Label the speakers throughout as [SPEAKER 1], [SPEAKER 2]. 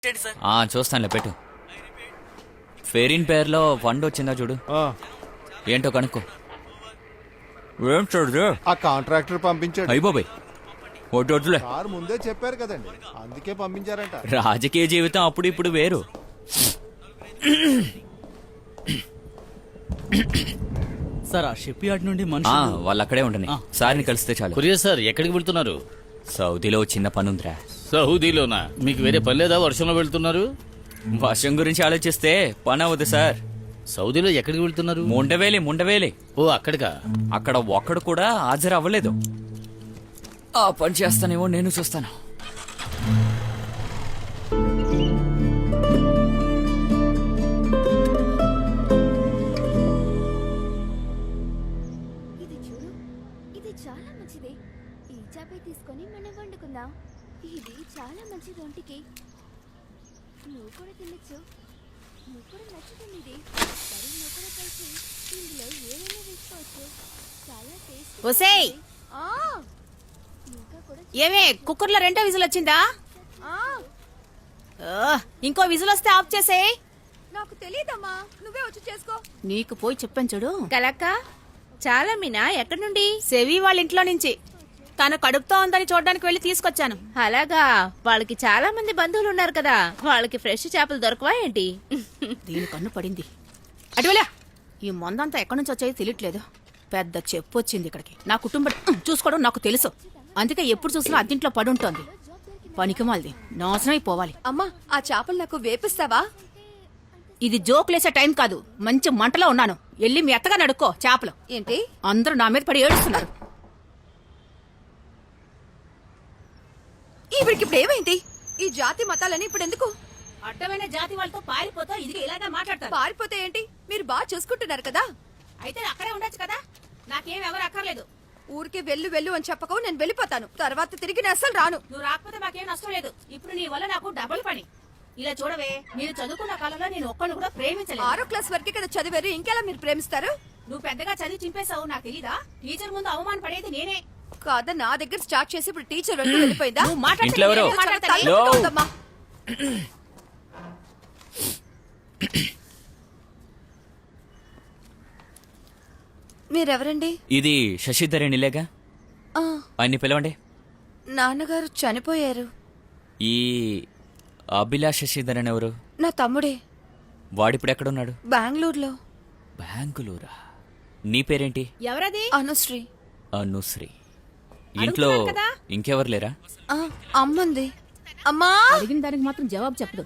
[SPEAKER 1] చూస్తానులే పెట్టు. ఫెరీన్ పేరులో ఫండ్ వచ్చిందా చూడు. ఏంటో కనుక్కో. ఏం చూడదు
[SPEAKER 2] ఆ కాంట్రాక్టర్ పంపించాడు.
[SPEAKER 1] అయిపోయి వద్దులే.
[SPEAKER 2] కారు ముందే చెప్పారు కదండి, అందుకే పంపించారంట.
[SPEAKER 1] రాజకీయ జీవితం అప్పుడు ఇప్పుడు వేరు.
[SPEAKER 3] సార్ ఆ షిప్ యార్డ్ నుండి మనుషులు
[SPEAKER 1] వాళ్ళు అక్కడే ఉండని. సార్ని కలిస్తే చాలు.
[SPEAKER 4] కొరియర్ సార్ ఎక్కడికి వెళ్తున్నారు?
[SPEAKER 1] సౌదీలో చిన్న పనుందిరా.
[SPEAKER 4] సౌదీలోనా? మీకు వేరే పని లేదా? వర్షంలో వెళ్తున్నారు?
[SPEAKER 1] వర్షం గురించి ఆలోచిస్తే పని అవ్వదు సార్.
[SPEAKER 4] సౌదీలో ఎక్కడికి వెళ్తున్నారు?
[SPEAKER 1] ముండవేలి.
[SPEAKER 4] ఓ అక్కడికా?
[SPEAKER 1] అక్కడ ఒక్కడు కూడా హాజరు అవ్వలేదు. ఆ పని చేస్తానేమో నేను చూస్తాను.
[SPEAKER 5] ఇది చూడు, ఇది చాలా మంచిది. ఈ చాపే తీసుకొని మనం వండుకుందాం. ఇది చాలా మంచిది ఒంటికి. నువ్వు కూడా తినచ్చు. నువ్వు కూడా నచ్చుతుంది ఇది. సరే నువ్వు కూడా కలిసి ఇందులో ఏమైనా వేసుకోవచ్చు. చాలా టేస్ట్.
[SPEAKER 6] ఒసేయ్, ఏమే కుక్కర్లో రెండో విజిల్ వచ్చిందా? ఇంకో విజిల్ వస్తే ఆఫ్ చేసేయ్.
[SPEAKER 5] నాకు తెలియదమ్మా, నువ్వే వచ్చి చేసుకో.
[SPEAKER 6] నీకు పోయి చెప్పాను చూడు.
[SPEAKER 7] కలక్క, చాలా మీనా ఎక్కడి నుండి?
[SPEAKER 6] సెవి వాళ్ళ ఇంట్లో నుంచి. తను కడుపుతో ఉందని చూడడానికి వెళ్ళి తీసుకొచ్చాను.
[SPEAKER 7] అలాగా, వాళ్ళకి చాలా మంది బంధువులు ఉన్నారు కదా, వాళ్ళకి ఫ్రెష్ చేపలు దొరకవా ఏంటి?
[SPEAKER 6] దీని కన్ను పడింది. అటువలే, ఈ మందంతా ఎక్కడి నుంచి వచ్చాయో తెలియట్లేదు. పెద్ద చెప్పు వచ్చింది ఇక్కడికి. నా కుటుంబం చూసుకోవడం నాకు తెలుసు. అందుకే ఎప్పుడు చూసినా అద్దింట్లో పడుంటోంది. పనికిమాలిది, నాశనం అయిపోవాలి.
[SPEAKER 5] అమ్మా, ఆ చేపలు నాకు వేపిస్తావా?
[SPEAKER 6] ఇది జోకులేసే టైం కాదు. మంచి మంటలో ఉన్నాను. వెళ్ళి మీ అత్తగా నడుక్కో చేపలు.
[SPEAKER 5] ఏంటి?
[SPEAKER 6] అందరూ నా మీద పడి ఏడుస్తున్నారు.
[SPEAKER 5] ఈవిడికి ఇప్పుడు ఏమైంది? ఈ జాతి మతాలని ఇప్పుడు ఎందుకు?
[SPEAKER 6] అడ్డమైన జాతి వాళ్ళతో పారిపోతా ఇది ఇలాగే మాట్లాడతారు.
[SPEAKER 5] పారిపోతే ఏంటి? మీరు బాగా చూసుకుంటున్నారు కదా.
[SPEAKER 6] అయితే అక్కడే ఉండొచ్చు కదా. నాకేం ఎవరు అక్కర్లేదు.
[SPEAKER 5] ఊరికే వెళ్ళు అని చెప్పకు, నేను వెళ్ళిపోతాను. తర్వాత తిరిగి నేను అస్సలు రాను.
[SPEAKER 6] నువ్వు రాకపోతే మాకేం నష్టం లేదు. ఇప్పుడు నీ వల్ల నాకు డబుల్ పని. ఇలా చూడవే, మీరు చదువుకున్న కాలంలో నేను ఒక్కడు కూడా ప్రేమించలేదు.
[SPEAKER 5] 6వ క్లాస్ వరకే కదా చదివారు, ఇంకెలా మీరు ప్రేమిస్తారు?
[SPEAKER 6] నువ్వు పెద్దగా చదివి చింపేశావు. నాకు తెలీదా? టీచర్ ముందు అవమాన పడేది నేనే
[SPEAKER 5] కాదా. నా దగ్గర స్టార్ట్ చేసి ఇప్పుడు టీచర్ వెంట వెళ్ళిపోయిందా?
[SPEAKER 6] నువ్వు మాట్లాడితే
[SPEAKER 1] ఇంట్లో ఎవరు?
[SPEAKER 6] నేనే మాట్లాడతాను.
[SPEAKER 5] తలనొప్పిగా ఉందమ్మా. మీరెవరండి?
[SPEAKER 1] ఇది శశిధరేణిలేగా. ఆయన్ని పిలవండి.
[SPEAKER 5] నాన్నగారు చనిపోయారు.
[SPEAKER 1] ఈ అభిలాష్ శశిధరన్ ఎవరు?
[SPEAKER 5] నా తమ్ముడే.
[SPEAKER 1] వాడిప్పుడు ఎక్కడున్నాడు?
[SPEAKER 5] బెంగళూరులో.
[SPEAKER 1] బెంగుళూరా? నీ పేరేంటి?
[SPEAKER 6] ఎవరది?
[SPEAKER 5] అనుశ్రీ.
[SPEAKER 1] అనుశ్రీ. ఇంట్లో ఇంకెవరు లేరా?
[SPEAKER 5] అమ్మంది. అమ్మా,
[SPEAKER 6] అడిగిన దానికి మాత్రం జవాబు చెప్పదు.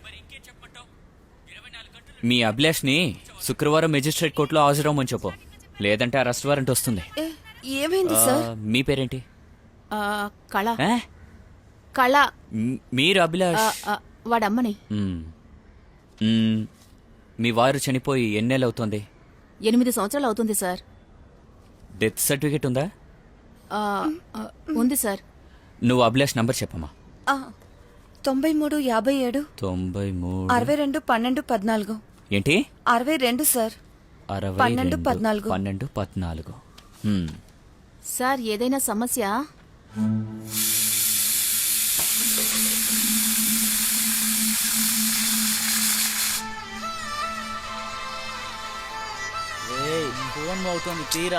[SPEAKER 1] మీ అభిలాష్ ని శుక్రవారం మెజిస్ట్రేట్ కోర్టులో హాజరవ్వమని చెప్పు, లేదంటే అరెస్ట్ వారెంట్ వస్తుంది.
[SPEAKER 5] ఏమైంది సార్?
[SPEAKER 1] మీ పేరేంటి?
[SPEAKER 6] కళ.
[SPEAKER 1] ఆ?
[SPEAKER 6] కళ.
[SPEAKER 1] మీరు అభిలాష్
[SPEAKER 6] వాడమ్మని.
[SPEAKER 1] మీ వారు చనిపోయి ఎన్నేళ్ళు అవుతుంది?
[SPEAKER 6] 8 సంవత్సరాలు అవుతుంది సార్.
[SPEAKER 1] డెత్ సర్టిఫికేట్ ఉందా?
[SPEAKER 6] ఉంది సార్.
[SPEAKER 1] నువ్వు అభిలాష్ నంబర్ చెప్పమ్మా.
[SPEAKER 5] 93 57
[SPEAKER 1] 93
[SPEAKER 5] 62 12 14.
[SPEAKER 1] ఏంటి?
[SPEAKER 5] 62 సార్.
[SPEAKER 1] 62
[SPEAKER 5] 12
[SPEAKER 1] 12 14.
[SPEAKER 6] సార్, ఏదైనా సమస్య?
[SPEAKER 3] ఫోన్ అవుతుంది, తీరా.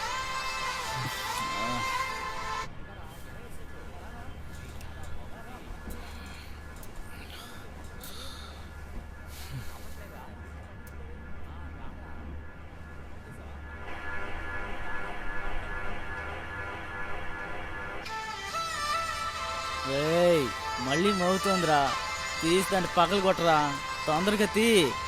[SPEAKER 3] మళ్ళీ మోగుతోందిరా. తీస్తాంటే పగలు కొట్టరా, తొందరగా తీ.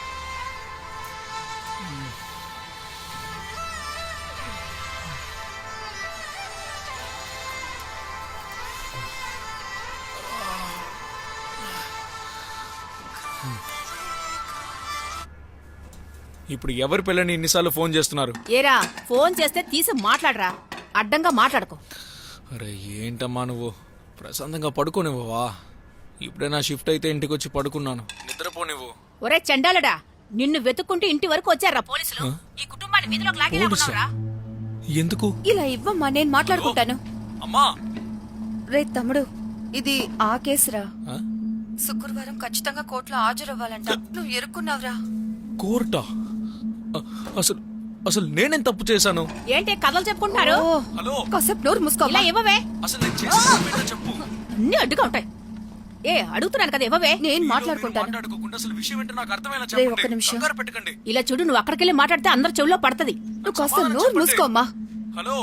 [SPEAKER 8] ఇప్పుడు ఎవరి పిల్లని ఇన్నిసార్లు ఫోన్ చేస్తున్నారు?
[SPEAKER 6] ఏరా, ఫోన్ చేస్తే తీసి మాట్లాడరా, అడ్డంగా మాట్లాడుకో.
[SPEAKER 8] అరే ఏంటమ్మా నువ్వు, ప్రశాంతంగా పడుకోనివ్వవా? ఇప్పుడే నా షిఫ్ట్ అయితే ఇంటికి వచ్చి పడుకున్నాను, నిద్రపోనివ్వు.
[SPEAKER 6] ఒరే చండాలడా, నిన్ను వెతుక్కుంటూ ఇంటి వరకు వచ్చారా పోలీసులు? ఈ కుటుంబాన్ని వీధిలోకి లాగేలా ఉన్నారా?
[SPEAKER 8] ఎందుకు?
[SPEAKER 5] ఇలా ఇవ్వమ్మా, నేను మాట్లాడుకుంటాను.
[SPEAKER 8] అమ్మా.
[SPEAKER 5] రే తమ్ముడు, ఇది ఆ కేసురా.
[SPEAKER 6] శుక్రవారం ఖచ్చితంగా కోర్టులో హాజరవ్వాలంట. నువ్వు ఎరుక్కున్నావురా.
[SPEAKER 8] కోర్టా? అసలు అసలు నేనేం తప్పు చేశాను?
[SPEAKER 6] ఏంటి కథలు చెప్పుకుంటున్నారు?
[SPEAKER 8] హలో,
[SPEAKER 6] కాసేపు నోరు మూసుకో. ఇలా ఇవ్వవే.
[SPEAKER 8] అసలు నేను చేసింది ఏంటో చెప్పు.
[SPEAKER 6] అన్ని అడ్డుగా ఉంటాయి. అడుగుతున్నాను కదా ఇవ్వవే. నేను మాట్లాడుకుంటాను.
[SPEAKER 8] మాట్లాడుకోకుండా అసలు విషయం ఏంటో నాకు అర్థమయ్యేలా
[SPEAKER 6] రేయ్,
[SPEAKER 8] చెప్పండి.
[SPEAKER 6] ఒక్క నిమిషం.
[SPEAKER 8] కంగారు పెట్టకండి.
[SPEAKER 6] ఇలా చూడు, నువ్వు అక్కడికెళ్ళి మాట్లాడితే అందరి చెవుల్లో పడుతుంది. నువ్వు కాస్త
[SPEAKER 8] సమాధానం
[SPEAKER 6] నోరు
[SPEAKER 8] చెప్పండి.
[SPEAKER 6] మూసుకోమ్మా.
[SPEAKER 8] హలో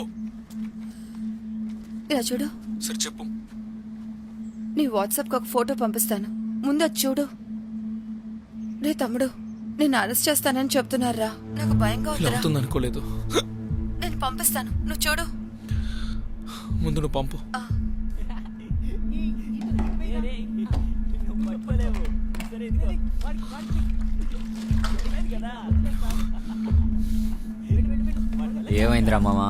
[SPEAKER 6] ఇలా చూడు,
[SPEAKER 8] సరే చెప్పు.
[SPEAKER 6] నీ వాట్సాప్కి ఒక ఫోటో పంపిస్తాను, ముందు అది చూడు. రే తమ్ముడు, నేను అరెస్ట్ చేస్తానని చెప్తున్నారా? నాకు భయంగా
[SPEAKER 8] ఇలా
[SPEAKER 6] ఉందిరా.
[SPEAKER 8] అవుతుంది అనుకోలేదు.
[SPEAKER 6] నేను పంపిస్తాను, నువ్వు చూడు.
[SPEAKER 8] ముందు నువ్వు పంపు.
[SPEAKER 1] ఏమైందిరా మామా?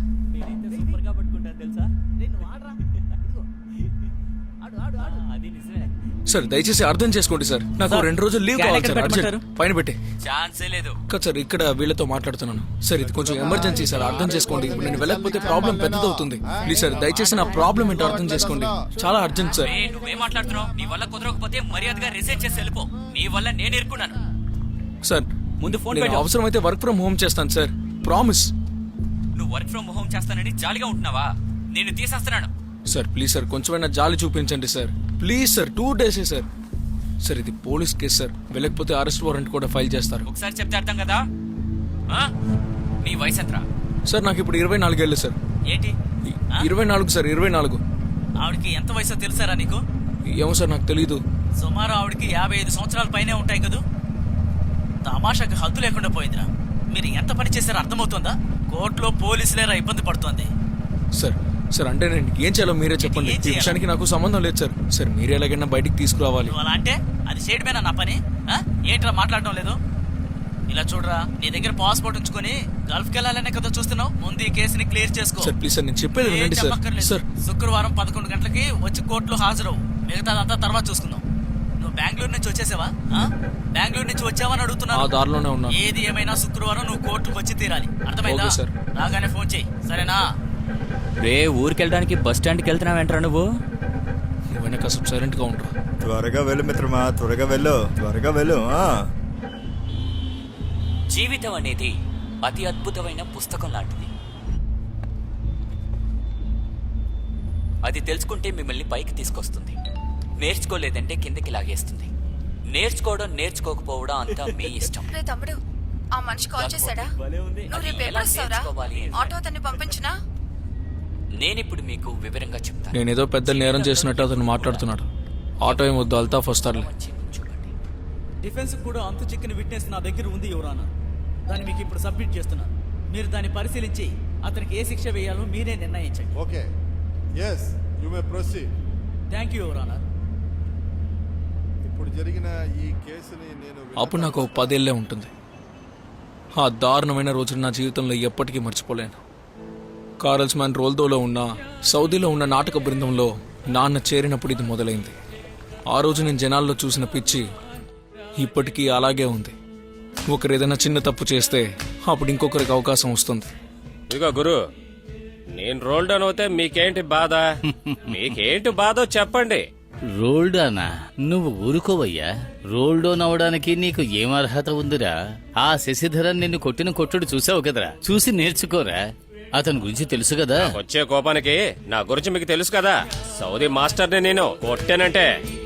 [SPEAKER 8] సార్ దయచేసి అర్థం చేసుకోండి సార్. నాకు 2 రోజులు లీవ్ కావాలి సార్. అర్జెంట్. పైన పెట్టి
[SPEAKER 1] ఛాన్సే లేదు.
[SPEAKER 8] కాదు సార్, ఇక్కడ వీళ్ళతో మాట్లాడుతున్నాను సార్. ఇది కొంచెం ఎమర్జెన్సీ సార్, అర్థం చేసుకోండి. ఇప్పుడు నేను వెళ్ళకపోతే ప్రాబ్లం పెద్దదవుతుంది. ప్లీజ్ సార్, దయచేసి నా ప్రాబ్లం ఏంటో అర్థం చేసుకోండి. చాలా అర్జెంట్ సార్.
[SPEAKER 1] నువ్వేం మాట్లాడుతున్నావు? నీ వల్ల కుదరకపోతే మర్యాదగా రిజైన్ చేసి వెళ్ళిపో. నీ వల్ల నేను ఇరుక్కున్నాను.
[SPEAKER 8] సార్
[SPEAKER 1] ముందు ఫోన్
[SPEAKER 8] నేను
[SPEAKER 1] పెట్టు.
[SPEAKER 8] అవసరమైతే వర్క్ ఫ్రమ్ హోమ్ చేస్తాను సార్, ప్రామిస్.
[SPEAKER 1] నువ్వు వర్క్ ఫ్రమ్ హోమ్ చేస్తానని జాలిగా ఉంటున్నావా? నేను తీసేస్తున్నాను.
[SPEAKER 8] సార్ ప్లీజ్ సార్, కొంచెమైనా జాలి చూపించండి సార్. ప్లీజ్ సార్, 2 డేసే సార్. సార్ ఇది పోలీస్ కేసు సార్, వెళ్ళకపోతే అరెస్ట్ వారెంట్ కూడా ఫైల్ చేస్తారు.
[SPEAKER 1] ఒకసారి చెప్తే అర్థం కదా? ఆ? నీ వయసు ఎంతరా?
[SPEAKER 8] సార్ నాకు ఇప్పుడు 24 ఏళ్ళు సార్.
[SPEAKER 1] ఏంటి?
[SPEAKER 8] 24 సార్, 24.
[SPEAKER 1] ఆవిడకి ఎంత వయసో తెలుసారా నీకు?
[SPEAKER 8] ఏమో సార్ నాకు తెలీదు.
[SPEAKER 1] సుమారు ఆవిడకి 55 సంవత్సరాల పైనే ఉంటాయి కదూ. తమాషాకి హద్దు లేకుండా పోయిందిరా. మీరు ఎంత పని చేశారో అర్థమవుతుందా? కోర్టులో పోలీసులేరా ఇబ్బంది పడుతోంది.
[SPEAKER 8] సార్ సార్ అంటే నేను ఏం చేయాలో మీరే చెప్పండి.
[SPEAKER 1] ఏం
[SPEAKER 8] ఈ
[SPEAKER 1] చేయాలి?
[SPEAKER 8] విషయానికి నాకు సంబంధం లేదు సార్. సార్ మీరే ఎలాగైనా బయటికి తీసుకురావాలి.
[SPEAKER 1] నువ్వు అలా అంటే అది చేయడమేనా నా పని? ఆ? ఏంట్రా మాట్లాడడం లేదు? ఇలా చూడరా, నీ దగ్గర పాస్పోర్ట్ ఉంచుకొని గల్ఫ్కి వెళ్ళాలనే కదా చూస్తున్నావు. ముందు ఈ కేసుని క్లియర్ చేసుకో.
[SPEAKER 8] సార్ ప్లీజ్ సార్, నేను చెప్పేది
[SPEAKER 1] ఏం
[SPEAKER 8] వినండి సార్.
[SPEAKER 1] చెప్పక్కర్లేదు.
[SPEAKER 8] సార్
[SPEAKER 1] శుక్రవారం 11 గంటలకి వచ్చి కోర్టులో హాజరవు. మిగతాదంతా తర్వాత చూసుకుందాం. నువ్వు బెంగళూరు నుంచి వచ్చేసావా? ఆ? బెంగళూరు నుంచి వచ్చావని
[SPEAKER 8] ఆ
[SPEAKER 1] అడుగుతున్నాను.
[SPEAKER 8] దారిలోనే ఉన్నా.
[SPEAKER 1] ఏది ఏమైనా శుక్రవారం నువ్వు కోర్టుకు వచ్చి తీరాలి. అర్థమైందా?
[SPEAKER 8] Okay sir.
[SPEAKER 1] రాగానే ఫోన్ చెయ్యి, సరేనా? రే, ఊరికెళ్ళడానికి బస్ స్టాండ్కి వెళ్తున్నావేంట్రా నువ్వు?
[SPEAKER 8] నువ్వైనా కాసేపు సైలెంట్ గా ఉంటా.
[SPEAKER 2] త్వరగా వెళ్ళు మిత్రమా, త్వరగా వెళ్ళు, త్వరగా వెళ్ళు.
[SPEAKER 1] జీవితం అనేది అతి అద్భుతమైన పుస్తకం లాంటిది. అది తెలుసుకుంటే మిమ్మల్ని పైకి తీసుకొస్తుంది, నేర్చుకోలేదంటే కిందకి లాగేస్తుంది. నేర్చుకోవడం నేర్చుకోకపోవడం అంతా మీ ఇష్టం.
[SPEAKER 6] రే తమ్ముడు, ఆ మనిషి కాల్ చేశాడా? నువ్వు రేపు ఎప్పుడు వస్తావురా? ఆటో అతన్ని పంపించినా?
[SPEAKER 1] నేనిప్పుడు మీకు వివరంగా చెప్తాను.
[SPEAKER 8] నేనేదో పెద్ద నేరం చేసినట్టు అతను మాట్లాడుతున్నాడు. ఆటో ఏం వద్దు, అల్తాఫ్ వస్తారులే.
[SPEAKER 1] చూడండి,
[SPEAKER 3] డిఫెన్స్ కూడా అంతు చిక్కిన విట్నెస్ నా దగ్గర ఉంది యువరానా. దాన్ని మీకు ఇప్పుడు సబ్మిట్ చేస్తున్నాను. మీరు దాన్ని పరిశీలించి అతనికి ఏ శిక్ష వేయాలో మీరే నిర్ణయించండి.
[SPEAKER 2] Okay, yes you may proceed.
[SPEAKER 3] Thank you your honour.
[SPEAKER 2] ఇప్పుడు జరిగిన ఈ కేసుని నేను
[SPEAKER 8] అప్పుడు నాకు 10 ఏళ్లే ఉంటుంది. ఆ దారుణమైన రోజులు నా జీవితంలో ఎప్పటికీ మర్చిపోలేను. కారల్స్మాన్ రోల్దోలో ఉన్న సౌదీలో ఉన్న నాటక బృందంలో నాన్న చేరినప్పుడు ఇది మొదలైంది. ఆ రోజు నేను జనాల్లో చూసిన పిచ్చి ఇప్పటికీ అలాగే ఉంది. ఒకరు ఏదైనా చిన్న తప్పు చేస్తే అప్పుడు ఇంకొకరికి అవకాశం వస్తుంది.
[SPEAKER 9] ఇదిగో గురు, నేను రోల్ డౌన్ అవుతే మీకేంటి బాధ? మీకేంటి బాధో చెప్పండి.
[SPEAKER 4] రోల్డానా? నువ్వు ఊరుకోవయ్యా. రోల్డోన్ అవడానికి నీకు ఏం అర్హత ఉందిరా? ఆ శశిధరన్ నిన్ను కొట్టిన కొట్టుడు చూసావు కదరా, చూసి నేర్చుకోరా. అతని గురించి తెలుసు కదా.
[SPEAKER 9] వచ్చే కోపానికి నా గురించి మీకు తెలుసు కదా. సౌదీ మాస్టర్ని నేను కొట్టానంటే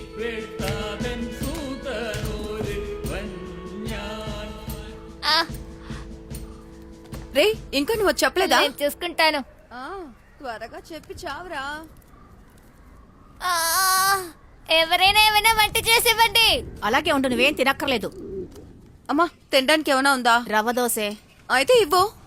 [SPEAKER 6] రే, ఇంకా నువ్వు చెప్పలేదా?
[SPEAKER 5] నేను చూసుకుంటాను.
[SPEAKER 6] త్వరగా చెప్పి చావురా.
[SPEAKER 5] ఎవరైనా ఏమైనా వంట చేసి ఇవ్వండి.
[SPEAKER 6] అలాగే ఉండు, నువ్వేం తినక్కర్లేదు. అమ్మా, తినడానికి ఏమైనా ఉందా? రవ్వ దోసే అయితే ఇవ్వు.